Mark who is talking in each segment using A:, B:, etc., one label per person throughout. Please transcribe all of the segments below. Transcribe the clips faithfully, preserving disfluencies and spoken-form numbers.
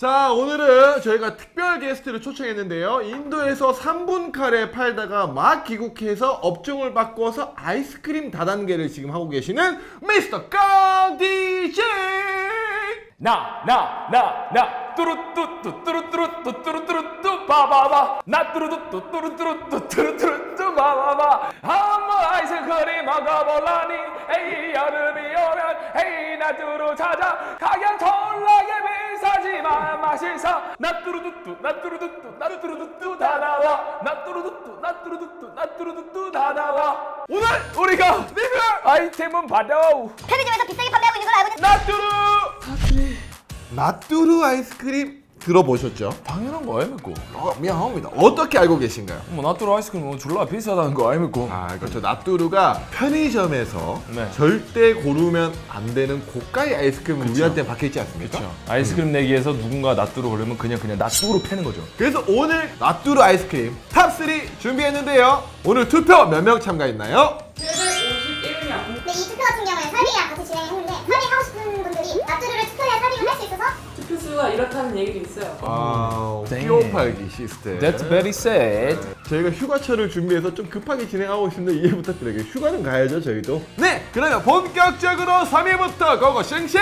A: 자, 오늘은 저희가 특별 게스트를 초청했는데요. 인도에서 삼 분 카레 팔다가 막 귀국해서 업종을 바꿔서 아이스크림 다단계를 지금 하고 계시는 미스터 깡디제이.
B: 나, 나, 나, 나, 뚜루뚜뚜, 뚜루뚜루뚜, 뚜루뚜루뚜, 바바바. 나 뚜루뚜뚜, 뚜루뚜루뚜, 뚜루뚜루뚜, 바바바. 한번 아이스크림 먹어볼라니. 에이, 여름이 오면, 에이, 나 뚜루 찾아. 가격 졸라게 비싸지만 맛있어. 나 뚜루뚜뚜, 나 뚜루뚜뚜, 나 뚜루뚜뚜 다 나와. 나 뚜루뚜뚜, 나 뚜루뚜뚜, 나 뚜루뚜뚜 다 나와. 오늘 우리가 리뷰 아이템은 바로
C: 편의점에서 비싸게 판매하고 있는 걸 알고 있는
B: 나뚜루.
A: 나뚜루 아이스크림 들어보셨죠?
B: 당연한 거 아닙니까?
A: 어, 미안합니다. 어떻게 알고 계신가요?
B: 뭐 나뚜루 아이스크림 뭐 졸라 비싸다는 거 아닙니까?
A: 아, 그렇죠. 나뚜루가 편의점에서
B: 네.
A: 절대 고르면 안 되는 고가의 아이스크림은 우리한테 박혀있지 않습니까?
B: 그렇죠. 아이스크림 내기에서 누구가 나뚜루 고르면 그냥 그냥 나뚜루 패는 거죠.
A: 그래서 오늘 나뚜루 아이스크림 탑삼 준비했는데요. 오늘 투표 몇 명 참가했나요?
C: 네, 이 투표 같은 경우에 사비랑 같이 진행했는데 사비하고 싶은 분들이 나뚜루를 투표해야 사비를 할 수 있어서
D: 투표수가 이렇다는 얘기도 있어요.
A: 아,
B: 땡.
A: 끼워팔기 시스템.
B: That's very sad.
A: 저희가 휴가철을 준비해서 좀 급하게 진행하고 있습니다. 이해 부탁드려요. 휴가는 가야죠, 저희도. 네, 그러면 본격적으로 삼 위부터 고고싱싱!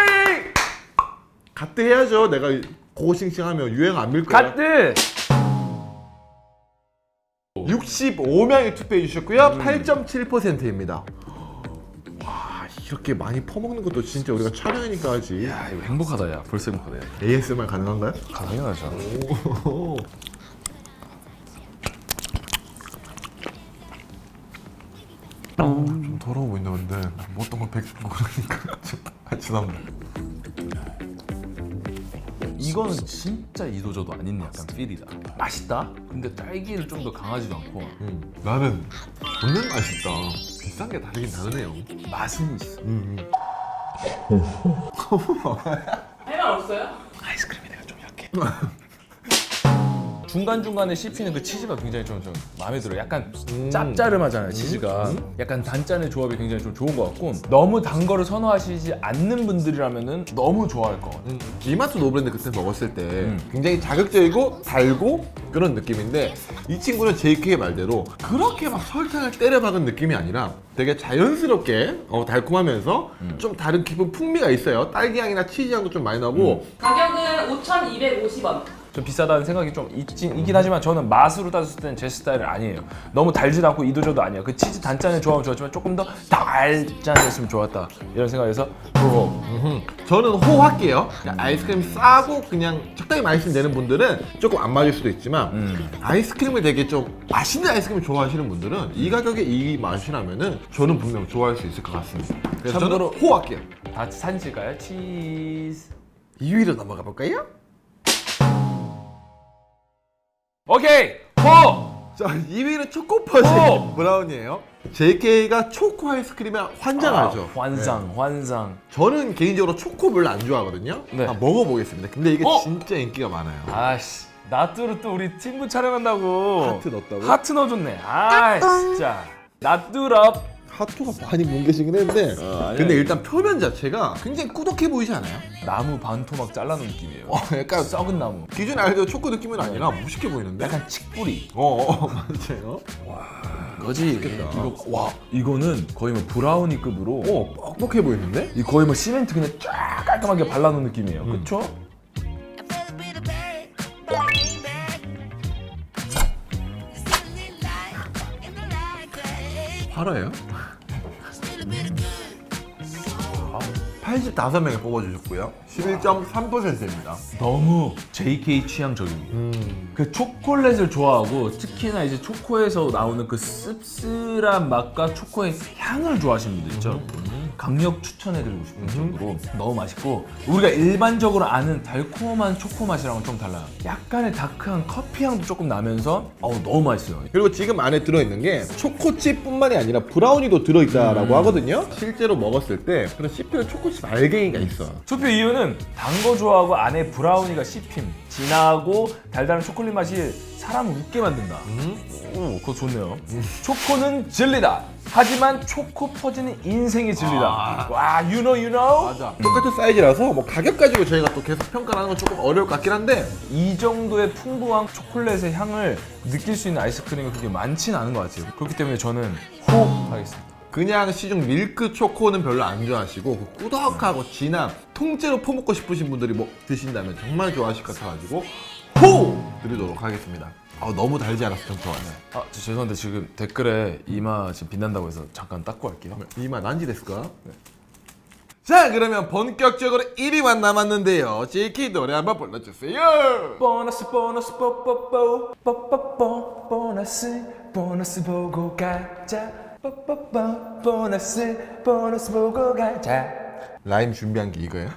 A: 갓드 해야죠. 내가 고고싱싱 하면 유행 안 밀 거야.
B: 갓들.
A: 육십오 명이 투표해 주셨고요. 팔 점 칠 퍼센트입니다. 와, 이렇게 많이 퍼먹는 것도 진짜 우리가 촬영이니까 하지.
B: 야 이거 행복하다 야. 벌써 행복하다 야.
A: 에이에스엠알 가능한가요?
B: 당연하죠.
A: 오. 좀 더러워 보인다 근데 뭐 어떤 걸 베끼고 그러니까 아, 죄송합니다.
B: 이거는 진짜 이도저도 아닌 약간 필이다. 맛있다. 근데 딸기를 좀 더 강하지도 않고
A: 음, 나는 존나 맛있다. 비싼 게 다르긴 다르네요.
B: 맛은 있어.
A: 음,
D: 할 말 없어요?
B: 아이스크림이 내가 좀 약해. 중간중간에 씹히는 그 치즈가 굉장히 좀, 좀 마음에 들어요. 약간
A: 음.
B: 짭짜름하잖아요, 치즈가. 약간 단짠의 조합이 굉장히 좀 좋은 것 같고 너무 단 거를 선호하시지 않는 분들이라면 너무 좋아할 것 같아요.
A: 음. 이마트 노브랜드 그때 먹었을 때 굉장히 자극적이고 달고 그런 느낌인데 이 친구는 제이케이의 말대로 그렇게 막 설탕을 때려박은 느낌이 아니라 되게 자연스럽게 어, 달콤하면서 좀 다른 기쁜 풍미가 있어요. 딸기향이나 치즈향도 좀 많이 나고
D: 가격은 오천이백오십 원.
B: 좀 비싸다는 생각이 좀 있긴, 있긴 하지만 저는 맛으로 따졌을 때는 제 스타일은 아니에요. 너무 달지도 않고 이도저도 아니에요. 그 치즈 단짠의 조합은 좋았지만 조금 더 달짠했으면 좋았다 이런 생각에서 호.
A: 음, 저는 호할게요. 아이스크림 싸고 그냥 적당히 맛있으면 되는 분들은 조금 안 맞을 수도 있지만
B: 음.
A: 아이스크림을 되게 좀 맛있는 아이스크림을 좋아하시는 분들은 이 가격에 이 맛이라면은 저는 분명 좋아할 수 있을 것 같습니다. 그래서
B: 참고로-
A: 저는 호할게요.
B: 다 사실까요? 치즈.
A: 이 위로 넘어가 볼까요?
B: 오케이! 호!
A: 자, 이 위는 초코퍼지
B: 오!
A: 브라운이에요. 제이케이가 초코 아이스크림에 환장하죠.
B: 아, 환상,
A: 네.
B: 환상.
A: 저는 개인적으로 초코 별로 안 좋아하거든요.
B: 네.
A: 한번 먹어보겠습니다. 근데 이게
B: 어?
A: 진짜 인기가 많아요.
B: 아씨, 나뚜루 또 우리 친구 촬영한다고.
A: 하트 넣었다고?
B: 하트 넣어줬네. 아, 진짜. 나뚜럽.
A: 하트가 많이 뭉개지긴 했는데
B: 아니야.
A: 근데 일단 표면 자체가 굉장히 꾸덕해 보이지 않아요?
B: 나무 반 토막 잘라놓은 느낌이에요.
A: 어, 약간
B: 썩은 나무.
A: 기존에 알던 초코 느낌은 아니라 무식해 보이는데?
B: 약간 칡뿌리.
A: 어, 어 맞아요.
B: 거지. 이거 와, 이거는 거의 뭐 브라우니급으로.
A: 어, 뻑뻑해 보이는데?
B: 이 거의 뭐 시멘트 그냥 쫙 깔끔하게 발라놓은 느낌이에요.
A: 음.
B: 그쵸?
A: 팔아요? 팔십오 명이 뽑아주셨고요. 십일 점 삼 퍼센트입니다.
B: 너무 제이케이 취향적입니다.
A: 음.
B: 그 초콜릿을 좋아하고 특히나 이제 초코에서 나오는 그 씁쓸한 맛과 초코의 향을 좋아하시는 분들 있죠. 강력 추천해드리고 싶은 정도로 너무 맛있고 우리가 일반적으로 아는 달콤한 초코 맛이랑은 좀 달라요. 약간의 다크한 커피 향도 조금 나면서 어우 너무 맛있어요.
A: 그리고 지금 안에 들어있는 게 초코칩뿐만이 아니라 브라우니도 들어있다라고
B: 음.
A: 하거든요. 실제로 먹었을 때 그런 씹히는 초코칩 알갱이가 있어요.
B: 투표 이유는 단 거 좋아하고 안에 브라우니가 씹힘, 진하고 달달한 초콜릿 맛이 사람을 웃게 만든다. 오, 그거 좋네요. 초코는 진리다. 하지만 초코 퍼지는 인생의 진리다.
A: 아.
B: 와, you know, you know?
A: 맞아. 똑같은 사이즈라서 뭐 가격 가지고 저희가 또 계속 평가를 하는 건 조금 어려울 것 같긴 한데
B: 이 정도의 풍부한 초콜릿의 향을 느낄 수 있는 아이스크림이 그렇게 많지는 않은 것 같아요. 그렇기 때문에 저는 호하겠습니다.
A: 그냥 시중 밀크 초코는 별로 안 좋아하시고 그 꾸덕하고 진한 통째로 퍼먹고 싶으신 분들이 뭐 드신다면 정말 좋아하실 것 같아가지고 호! 드리도록 하겠습니다. 아, 너무 달지 않아서 좀 좋아요.
B: 아, 저 죄송한데 지금 댓글에 이마 지금 빛난다고 해서 잠깐 닦고 할게요.
A: 이마 난지 됐을까? 네. 자, 그러면 본격적으로 일 위만 남았는데요. 제이케이 노래 한번 불러주세요.
B: 보너스 보너스 뽀뽀뽀 뽀뽀뽀 보너스 보너스 보고 가자 뽀뽀뽀 보너스 보너스 보고 가자.
A: 라임 준비한 게 이거예요?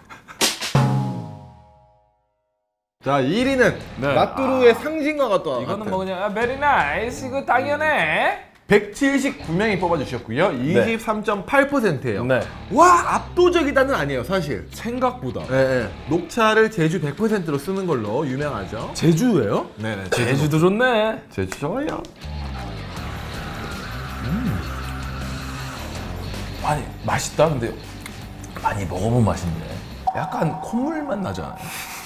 A: 자, 일 위는
B: 네.
A: 나뚜루의 상징과 또
B: 이거는 뭐 그냥 아, 베리 나이스 이거 당연해.
A: 백칠십구 명이 뽑아주셨고요. 이십삼 점 팔 퍼센트예요.
B: 네.
A: 와, 압도적이다는 아니에요, 사실.
B: 생각보다.
A: 예, 예. 녹차를 제주 백 퍼센트로 쓰는 걸로 유명하죠.
B: 제주예요?
A: 네네.
B: 제주도 좋네.
A: 제주 좋아요.
B: 아니 맛있다. 근데 많이 먹어본 맛인데 약간 콧물 맛 나지 않아요?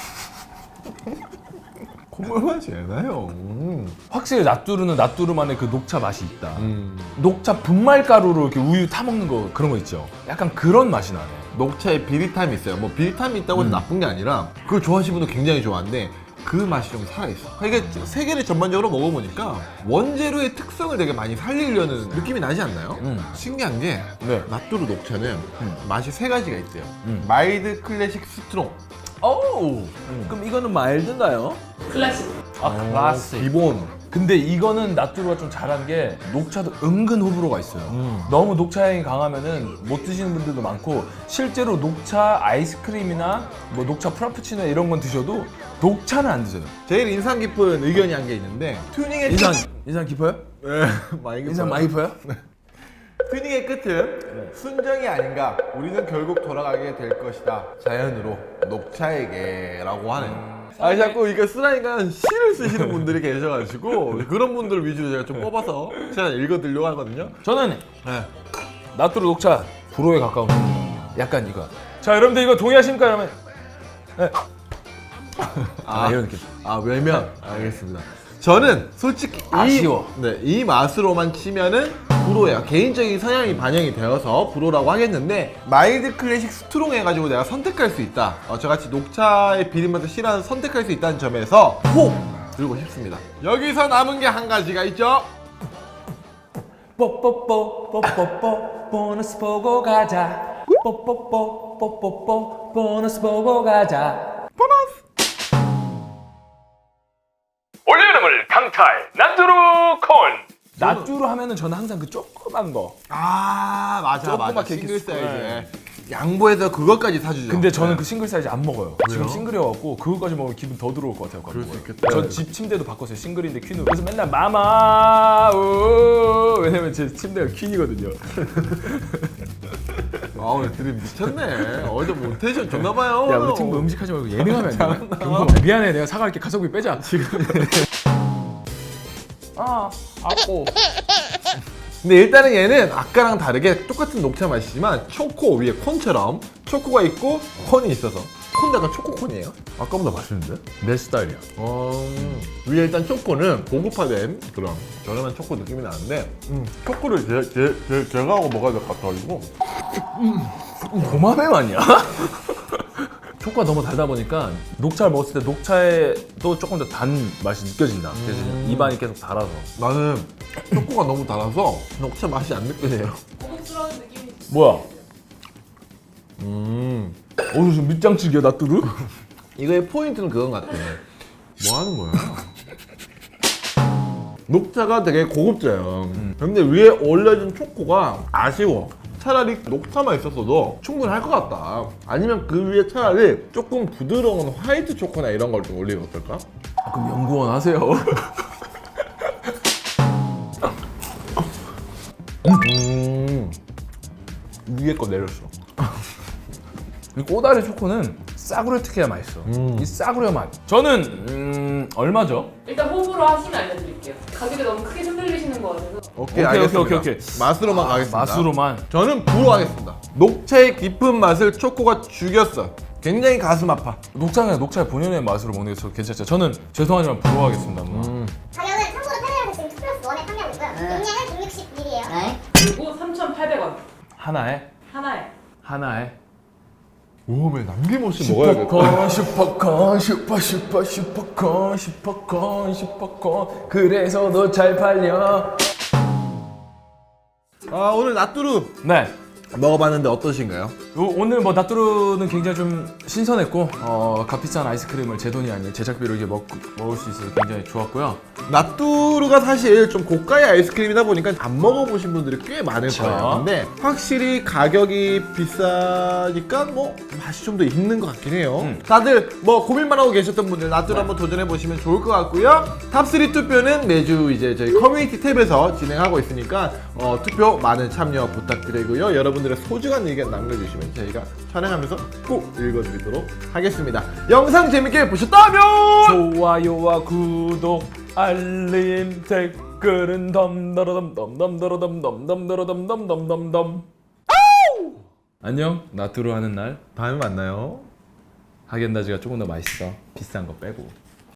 A: 콧물 맛이 나요. 음.
B: 확실히 나뚜루는 나뚜루만의 그 녹차 맛이 있다.
A: 음.
B: 녹차 분말 가루로 이렇게 우유 타 먹는 거 그런 거 있죠. 약간 그런 맛이 나네.
A: 녹차에 비릿함이 있어요. 뭐 비릿함이 있다고 해서
B: 음.
A: 나쁜 게 아니라 그걸 좋아하시는 분도 굉장히 좋아하는데 그 맛이 좀 살아있어. 이게 세 개를 전반적으로 먹어보니까 원재료의 특성을 되게 많이 살리려는 느낌이 나지 않나요?
B: 음.
A: 신기한 게
B: 네.
A: 나뚜루 녹차는
B: 음.
A: 맛이 세 가지가 있대요.
B: 음.
A: 마일드, 클래식, 스트롱.
B: 오. 그럼 이거는 마일드인가요?
D: 클래식.
B: 아 클래식.
A: 기본.
B: 근데 이거는 나뚜루가 좀 잘한 게 녹차도 은근 호불호가 있어요.
A: 음.
B: 너무 녹차 향이 강하면은 못 드시는 분들도 많고 실제로 녹차 아이스크림이나 뭐 녹차 프라푸치노 이런 건 드셔도 녹차는 안 드세요.
A: 제일 인상 깊은 의견이 한 게 있는데 튜닝의
B: 인상
A: 끝...
B: 인상 깊어요?
A: 네, 많이
B: 인상
A: 깊어요.
B: 많이 깊어요?
A: 튜닝의 끝은 순정이 아닌가. 우리는 결국 돌아가게 될 것이다. 자연으로 녹차에게 라고 하는. 아, 자꾸 이거 쓰라니까 시를 쓰시는 분들이 계셔가지고 그런 분들 위주로 제가 좀 뽑아서 제가 읽어드리려고 하거든요.
B: 저는
A: 네.
B: 나뚜루 녹차 불호에 가까운 겁니다. 약간 이거. 자 여러분들 이거 동의하십니까 여러분? 네. 아, 이런 느낌.
A: 아, 외면. 알겠습니다. 저는 솔직히
B: 아쉬워.
A: 이, 네, 이 맛으로만 치면은 불호예요. 개인적인 성향이 반영이 되어서 불호라고 하겠는데 마일드 클래식 스트롱 해가지고 내가 선택할 수 있다. 어, 저같이 녹차의 비린맛을 싫어하는 선택할 수 있다는 점에서 호! 들고 싶습니다. 여기서 남은 게 한 가지가 있죠.
B: 뽀뽀뽀 뽀뽀뽀 보너스 보고 가자. 뽀뽀뽀 뽀뽀뽀 보너스 보고 가자. 올여름을 강탈 나뚜루 콘. 나뚜루 하면은 저는 항상 그 조그만 거.
A: 아, 맞아, 맞아.
B: 조그맣게
A: 싱글
B: 이렇게
A: 사이즈.
B: 네.
A: 양보해서 그것까지 사주죠.
B: 근데 저는
A: 네.
B: 그 싱글 사이즈 안 먹어요. 지금
A: 왜요?
B: 싱글이어갖고 그거까지 먹으면 기분 더 들어올 것 같아요.
A: 그럴 수 있겠다.
B: 전 집 침대도 바꿨어요. 싱글인데 퀸으로. 그래서 맨날 마마 우 왜냐면 제 침대가 퀸이거든요.
A: 아, 오늘 드림 미쳤네. 어제 뭐 텐션 좋나봐요.
B: 야 우리 친구 음식하지 말고 예능하면 안 돼? 경고 미안해 내가 사갈게 가성비 빼자 지금. 아 아고.
A: 근데 일단은 얘는 아까랑 다르게 똑같은 녹차 맛이지만 초코 위에 콘처럼 초코가 있고 콘이 있어서 콘도 약간 초코콘이에요.
B: 아까보다 맛있는데? 내 스타일이야.
A: 어... 위에 일단 초코는 고급화된 그런 저렴한 초코 느낌이 나는데 음, 초코를 제, 제, 제, 제가 하고 먹어야 될 것 같아가지고
B: 고마매 아니야? 초코가 너무 달다 보니까 녹차를 먹었을 때 녹차에도 조금 더 단 맛이 느껴진다. 그래서
A: 음.
B: 입안이 계속 달아서.
A: 나는 초코가 너무 달아서 녹차 맛이 안 느껴져요.
D: 고급스러운 느낌이.
B: 뭐야?
A: 음...
B: 어 지금 밑장 치기야 나뚜루?
A: 이거의 포인트는 그건 같아. 뭐 하는 거야? 녹차가 되게 고급져요. 근데 위에 올려진 초코가 아쉬워. 차라리 녹차만 있었어도 충분할 것 같다. 아니면 그 위에 차라리 조금 부드러운 화이트 초코나 이런 걸 좀 올리면 어떨까?
B: 아, 그럼 연구원 하세요.
A: 음...
B: 위에 거 내렸어. 이 꼬다리 초코는 싸구려 특히나 맛있어.
A: 음.
B: 이 싸구려 맛. 저는 음, 얼마죠?
D: 일단 호불호 하시면 알려드릴게요. 가격에 너무 크게 흔들리시는 것 같아서.
A: 오케이,
B: 오케이,
A: 알겠습니다.
B: 오케이, 오케이, 오케이.
A: 맛으로만
B: 아,
A: 가겠습니다.
B: 맛으로만.
A: 저는 부로 하겠습니다. 녹차의 깊은 맛을 초코가 죽였어. 굉장히 가슴 아파.
B: 녹차가 녹차의 본연의 맛으로 먹는 게 저 괜찮죠. 저는 죄송하지만 부러워하겠습니다. 뭐.
A: 음.
C: 가격은 참고로 페레라에서 지금 투 플러스 원에 판매하고 있고요. 용량은 백육십 밀리리터예요.
D: 그리고 삼천팔백 원
B: 하나에
D: 하나에.
B: 하나에
A: 오메 남김없이 먹어야겠다.
B: 슈퍼콘 슈퍼콘 슈퍼 슈퍼 슈퍼콘 슈퍼콘 슈퍼콘 그래서 더 잘 팔려.
A: 아 오늘 나뚜루
B: 네.
A: 먹어봤는데 어떠신가요?
B: 오- 오늘 뭐 나뚜루는 굉장히 좀 신선했고 어, 값비싼 아이스크림을 제 돈이 아닌 제작비로 이렇게 먹, 먹을 수 있어서 굉장히 좋았고요.
A: 나뚜루가 사실 좀 고가의 아이스크림이다 보니까 안 먹어보신 분들이 꽤 많을
B: 그쵸.
A: 거예요. 근데 확실히 가격이 비싸니까 뭐 맛이 좀 더 있는 것 같긴 해요.
B: 음.
A: 다들 뭐 고민만 하고 계셨던 분들 나뚜루 한번 도전해 보시면 좋을 것 같고요. 탑쓰리 투표는 매주 이제 저희 커뮤니티 탭에서 진행하고 있으니까 어, 투표 많은 참여 부탁드리고요. 여러분들의 소중한 의견 남겨주시면 저희가 촬영하면서 꼭 읽어드리도록 하겠습니다. 영상 재밌게 보셨다면
B: 좋아요와 구독 알림 댓글은 덤더러덤덤덤더러덤덤덤더러덤덤덤덤덤. 안녕. 나뚜루 하는 날
A: 다음에 만나요.
B: 하겐다즈가 조금 더 맛있어. 비싼 거 빼고.